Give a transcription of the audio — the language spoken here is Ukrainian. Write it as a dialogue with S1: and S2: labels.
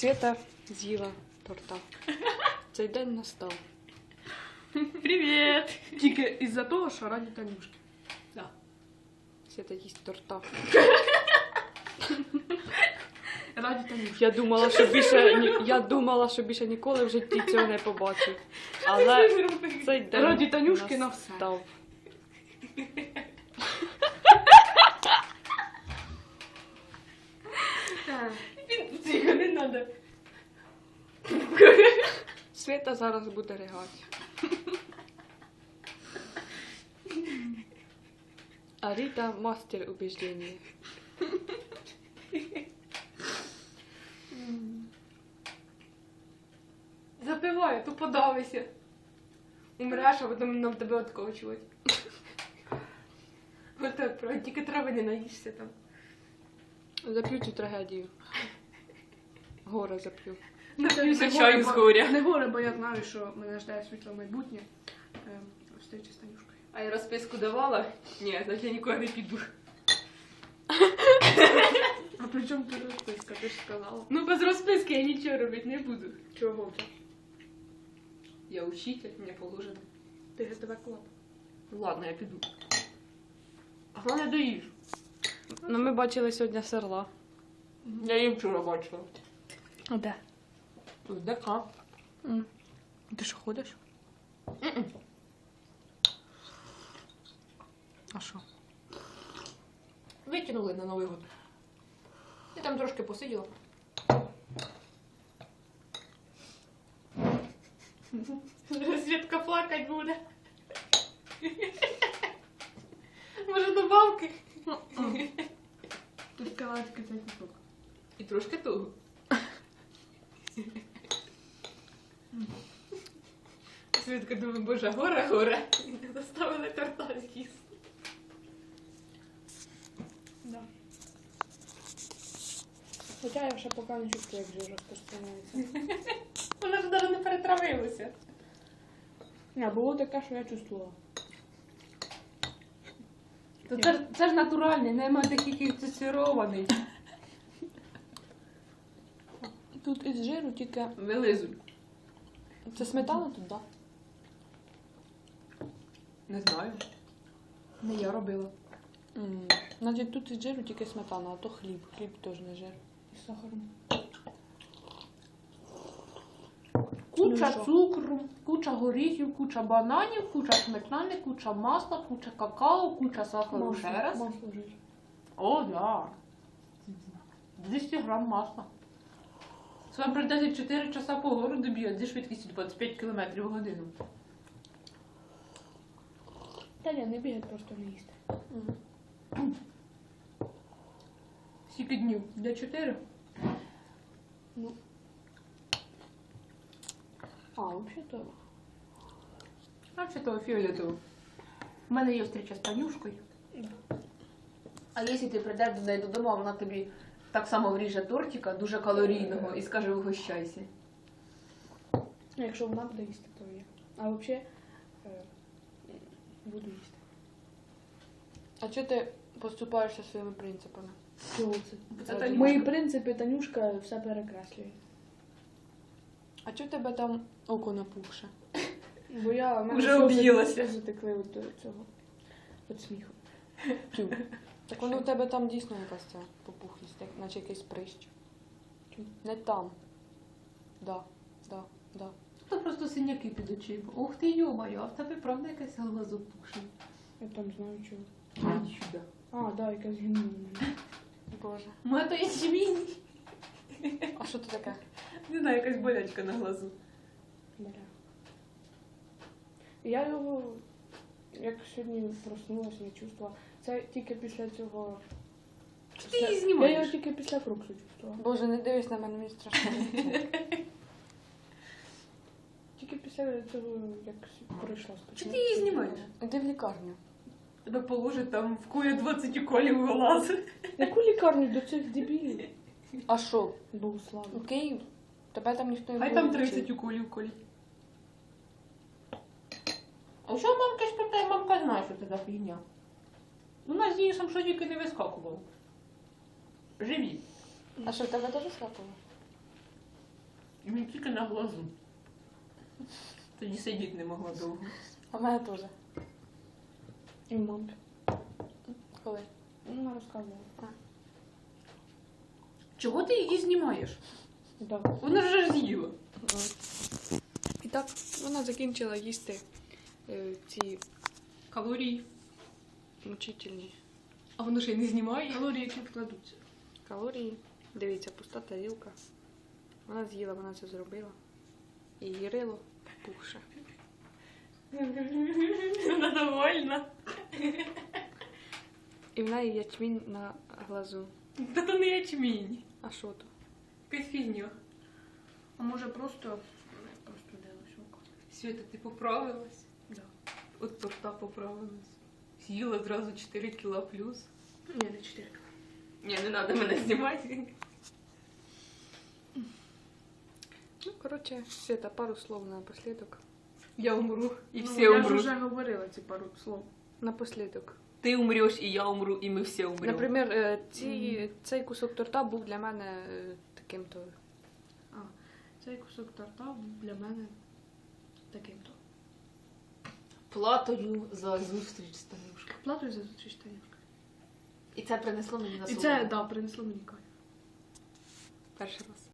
S1: Света з'їла торта. Цей день настав.
S2: Привіт!
S1: Тільки із-за того, що раді Танюшки.
S2: Да.
S1: Света їсть торта.
S2: Раді Танюшки.
S1: Я думала, що більше ніколи в житті цього не побачу. Але цей день
S2: Раді Танюшки на все.
S1: настав.
S2: Тихо, не надо.
S1: Света зараз буде ригати. А Ріта мастер убеждення.
S2: Запивай, то подавися. Умреш, а потім нам тебе откочувати. Отак, правда, тільки трави не наїшся там.
S1: Зап'ю цю трагедію. Горе зап'ю.
S2: Нап'юся чаю з горя.
S3: Не горе, бо я знаю, що мене ждає світле майбутнє. Встреча з Танюшкою.
S2: А я розписку давала? Ні, значить я нікуди не піду.
S3: А при чому ти розписка? Ти ж сказала.
S2: Ну без розписки я нічого робити не буду.
S3: Чого це?
S2: Я учитель, мені положено.
S3: Ти ГТВ клуб.
S2: Ну ладно, я піду. А головне доїж.
S1: Ну, ми бачили сьогодні серла.
S2: Я її вчора бачила.
S1: А де?
S2: Тут ДК.
S1: Ти що ходиш? А що?
S2: Витягнули на Новий год. Я там трошки посиділа. Світка плакать буде. Може добавки?
S3: Ти сказала тільки цей кусок.
S2: І трошки того. Світка думає, боже, горе. Не доставили торта з'їсти.
S3: Да. Хоча я ще поки не чувствую, як жир розпространяється.
S2: Вона ж навіть не перетравилася.
S3: Ні, було таке, що я чувствувала.
S2: То це ж натуральний, нема таких цицерований.
S1: Тут із жиру тільки...
S2: Вилизуй.
S1: Це сметана тут, так?
S2: Не знаю. Не я робила.
S1: Значить, тут із жиру тільки сметана, а то хліб. Хліб теж не жир.
S3: З сахаром.
S2: Куча
S1: Ну, що?
S2: цукру, куча горіхів, куча бананів, куча сметани, куча масла, куча какао, куча сахару. Ще раз.
S3: Масло жир.
S2: О, да. 200 грам масла. Це вам прийдеться 4 часа по городу бігати зі швидкістю 25 км в годину.
S3: Та ні, не бігать, просто не їсти.
S2: Скільки днів? Для 4?
S3: А, взагалі-то...
S2: А чи того фіолетово. У мене є встреча з Танюшкою. А якщо ти прийдеш до неї додому, а вона тобі так само вріже тортика, дуже калорійного, і скаже, угощайся.
S3: Ну, якщо вона буде їсти, то є. А взагалі буду їсти.
S1: А чого ти поступаєшся своїми принципами?
S3: Чого це?
S2: Це Танюшка.
S3: Мої принципи, Танюшка все перекреслює.
S1: А чого в тебе там око напухше?
S3: Бо я... в мене
S2: Вже
S3: сльози
S2: об'їлася.
S3: затекли від цього. Від сміху.
S1: Тю. Так воно у тебе там дійсно якась ця попухлість, як наче якийсь прищ. Не там. Да.
S2: Це просто синяки під очима. Ух ти, йомаю, а в тебе правда якась голова запухшена?
S3: Я там знаю чого.
S2: Іди сюди.
S3: А, да, якась гімна у мене.
S1: Боже.
S2: Моя то є сімейний.
S1: А що це таке?
S2: Не знаю, якась болячка на глазу.
S3: Бля. Я його, як сьогодні проснулася, не чувствувала. Це тільки після цього...
S2: Ти її
S3: Я
S2: знімаєш?
S3: його тільки після фрукту чувствувала.
S1: Боже, не дивись на мене, мені страшно.
S3: Тільки після цього, як пройшла спочатку.
S2: Чи ти її знімаєш?
S1: Іди в лікарню.
S2: Тебе положить там в кує 20 уколів в глаз.
S3: Яку лікарню до цих дебілів?
S1: А що?
S3: Богу слава.
S1: У Київ? Тебе там ніхто не
S2: Хай
S1: буде
S2: там
S1: лічити.
S2: 30 уколів колі. А що мамка спитає, мамка знає, що це за фігня. У нас з Денисом що тільки не вискакувало. Живі.
S1: А що, в тебе теж скапало?
S2: Мені тільки на глазу. Тоді сидіти не могла довго.
S1: А в мене теж.
S3: І мамки.
S1: Коли?
S3: Ну, вона розказувала.
S2: Чого ти її знімаєш?
S3: Да.
S2: Вона ж з'їла.
S1: І так, вона закінчила їсти ці
S2: Калорії.
S1: мучительні
S2: А воно ще й не знімає.
S3: Калорії, які вкладуться.
S1: калорії. Дивіться, пуста тарілка. Вона з'їла, вона це зробила. І її рило пухше.
S2: Вона довольна.
S1: І в неї ячмінь на глазу.
S2: Та то не ячмінь.
S1: А що то?
S2: Якась фігня.
S3: А може просто дивилась око.
S2: Свята, ти поправилась?
S3: Да.
S2: От торта поправилась. З'їла зразу 4 кіла плюс.
S3: Ні, не 4.
S2: Ні, не треба мене знімати.
S1: Ну, коротше, Света, пару слов напослідок.
S2: Я умру, і всі
S3: Я ж
S2: умруть.
S3: вже говорила ці пару слов.
S1: Напослідок.
S2: Ти умреш, і я умру, і ми всі умремо.
S1: Наприклад, цей кусок торта був для мене таким-то.
S3: Цей кусок торта був для мене таким-то.
S2: Платою за зустріч з Танюшкою.
S3: Платою за зустріч Танюшка.
S2: І це принесло мені на
S3: І це, да, принесло мені кайф.
S1: Перший раз.